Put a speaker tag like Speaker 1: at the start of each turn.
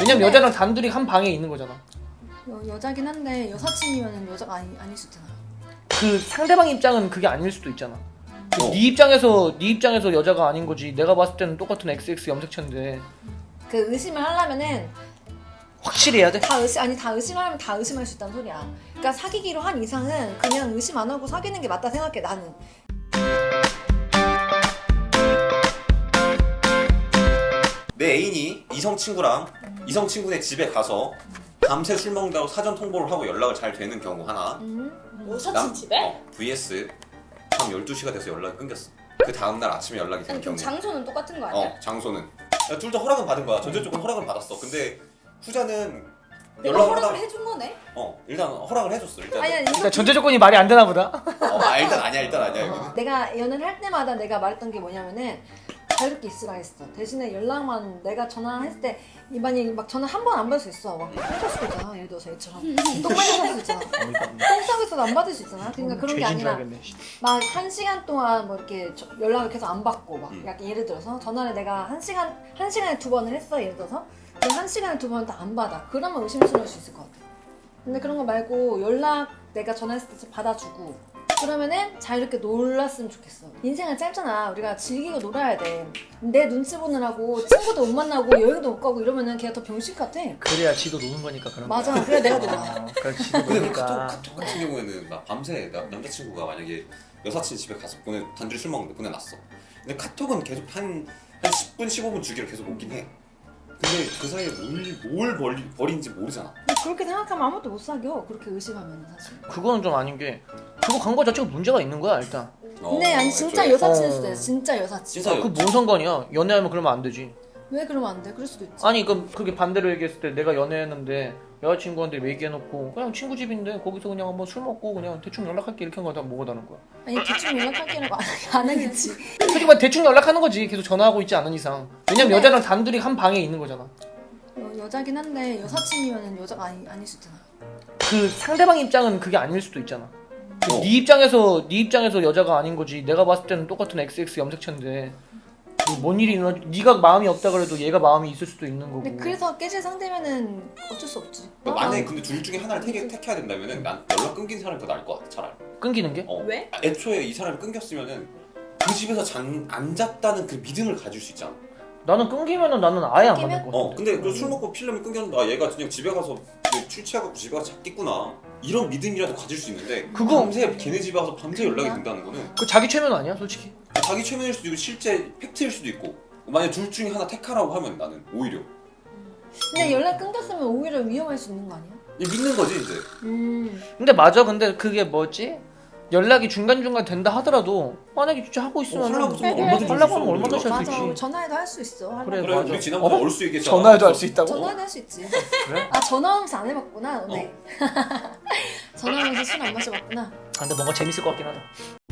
Speaker 1: 왜냐면 여자랑 단둘이 한 방에 있는 거잖아.
Speaker 2: 여자긴 한데 여사친이면 여자가 아닐 수 있잖아.
Speaker 1: 그 상대방 입장은 그게 아닐 수도 있잖아. 네 입장에서 여자가 아닌 거지. 내가 봤을 때는 똑같은 XX 염색체인데
Speaker 2: 그 의심을 하려면은
Speaker 1: 확실히 해야 돼.
Speaker 2: 다 의심하면 다 의심할 수 있다는 소리야. 그러니까 사귀기로 한 이상은 그냥 의심 안 하고 사귀는 게 맞다 생각해 나는.
Speaker 3: 내 애인이 이성 친구네 집에 가서 밤새 술 먹는다고 사전 통보를 하고 연락을 잘 되는 경우 하나.
Speaker 4: 여사친 집에?
Speaker 3: vs 밤 12시가 돼서 연락이 끊겼어. 그 다음날 아침에 연락이 되는 경우.
Speaker 4: 장소는 똑같은 거 아니야?
Speaker 3: 장소는 둘 다 허락은 받은 거야. 전제 쪽은 허락을 받았어. 근데 후자는
Speaker 4: 내가 허락을 해준 거네?
Speaker 3: 일단 허락을 해줬어.
Speaker 1: 그러니까 전제 조건이 말이 안 되나 보다.
Speaker 3: 일단 아니야 여기는.
Speaker 2: 내가 연애를 할 때마다 내가 말했던 게 뭐냐면은 자유롭게 있으라 했어. 대신에 연락만 내가 전화했을 때 만약에 막 전화 한 번 안 받을 수 있어. 막 똥 수도 있잖아. 예를 들어서 얘처럼 똥 마실 수도 있잖아. 똥 싸고 있어도 안 받을 수 있잖아. 그러니까 그런 게 아니라 막 1시간 동안 뭐 이렇게 연락을 계속 안 받고 막 약간 예를 들어서 전화를 내가 한 시간에 2번을 했어. 예를 들어서 근데 1시간에 2번 다 안 받아. 그러면 의심스러울 수 있을 것 같아. 근데 그런 거 말고 연락 내가 전화했을 때 받아주고 그러면은 자유롭게 놀았으면 좋겠어. 인생은 짧잖아. 우리가 즐기고 놀아야 돼. 내 눈치 보느라고 친구도 못 만나고 여행도 못 가고 이러면은 걔가 더 병신 같아.
Speaker 1: 그래야 지도 노는 거니까 그런 거.
Speaker 2: 맞아. 그래 내가 놀아.
Speaker 1: 그래 지도
Speaker 3: 근데
Speaker 1: 노니까.
Speaker 3: 카톡 같은 경우에는 막 밤새 남자친구가 만약에 여사친 집에 가서 단둘이 술 먹는데 보내놨어. 근데 카톡은 계속 한 10분 15분 주기로 계속 오긴 해. 근데 그 사이에 뭘 버린지 모르잖아.
Speaker 2: 그렇게 생각하면 아무것도 못 사겨. 그렇게 의심하면 사실.
Speaker 1: 그거는 좀 아닌 게 그거 간 거 자체가 문제가 있는 거야 일단.
Speaker 2: 근데 아니 진짜 여사친일 수도 있어. 진짜 여사친.
Speaker 3: 진짜
Speaker 1: 그 뭔 상관이야? 연애하면 그러면 안 되지.
Speaker 2: 왜 그러면 안 돼? 그럴 수도 있지.
Speaker 1: 아니 그게 반대로 얘기했을 때 내가 연애했는데 여자친구한테 얘기해놓고 그냥 친구 집인데 거기서 그냥 한번 술 먹고 그냥 대충 연락할게 이렇게 한 거다 뭐가 다른 거야?
Speaker 2: 아니 대충 연락할게라고 안 하겠지.
Speaker 1: 솔직히 말 대충 연락하는 거지. 계속 전화하고 있지 않은 이상. 왜냐면 여자랑 단둘이 한 방에 있는 거잖아.
Speaker 2: 여자긴 한데 여사친이면 여자가 아닐 수 있잖아.
Speaker 1: 그 상대방 입장은 그게 아닐 수도 있잖아. 네 입장에서 여자가 아닌 거지. 내가 봤을 때는 똑같은 XX 염색체인데 뭔 일이 일어나? 네가 마음이 없다 그래도 얘가 마음이 있을 수도 있는 거고.
Speaker 2: 근데 그래서 깨질 상대면은 어쩔 수 없지.
Speaker 3: 만약에 근데 둘 중에 하나를 택해야 된다면은 난 연락 끊긴 사람이 더 나을 것 같아 차라리.
Speaker 1: 끊기는 게?
Speaker 4: 왜?
Speaker 3: 애초에 이 사람이 끊겼으면은 그 집에서 안 잤다는 그 믿음을 가질 수 있잖아.
Speaker 1: 나는 끊기면은 나는 아예 안 만날 거 같아.
Speaker 3: 근데 술 먹고 필름이 끊겼는데 얘가 그냥 집에 가서 술 취해갖고 집에 가서 잤겠구나 이런 믿음이라도 가질 수 있는데
Speaker 1: 그거-
Speaker 3: 밤새 걔네 집에 와서 밤새 연락이 된다는 거는
Speaker 1: 그 자기 최면 아니야 솔직히?
Speaker 3: 자기 최면일 수도 있고 실제 팩트일 수도 있고 만약 둘 중에 하나 택하라고 하면 나는 오히려
Speaker 2: 근데 연락 끊겼으면 오히려 위험할 수 있는 거 아니야?
Speaker 3: 믿는 거지 이제.
Speaker 1: 근데 맞아. 근데 그게 뭐지? 연락이 중간중간 된다 하더라도 만약에 진짜 하고 있으면
Speaker 3: 하려고 하면 얼마든지
Speaker 1: 하려고 하면
Speaker 3: 할
Speaker 1: 얼마든지
Speaker 3: 수
Speaker 1: 할 수
Speaker 2: 맞아.
Speaker 1: 있지.
Speaker 2: 전화해도 할 수 있어.
Speaker 1: 그래,
Speaker 3: 그래
Speaker 1: 맞아.
Speaker 3: 우리 지난번에 얼쑤 얘기했잖아.
Speaker 1: 전화해도 할 수 있다고?
Speaker 2: 전화해도 할 수 있지.
Speaker 1: 그래?
Speaker 2: 아 전화하면서 안 해봤구나. 네. 전화하면서 술 안 마셔봤구나.
Speaker 1: 아, 근데 뭔가 재밌을 것 같긴 하다.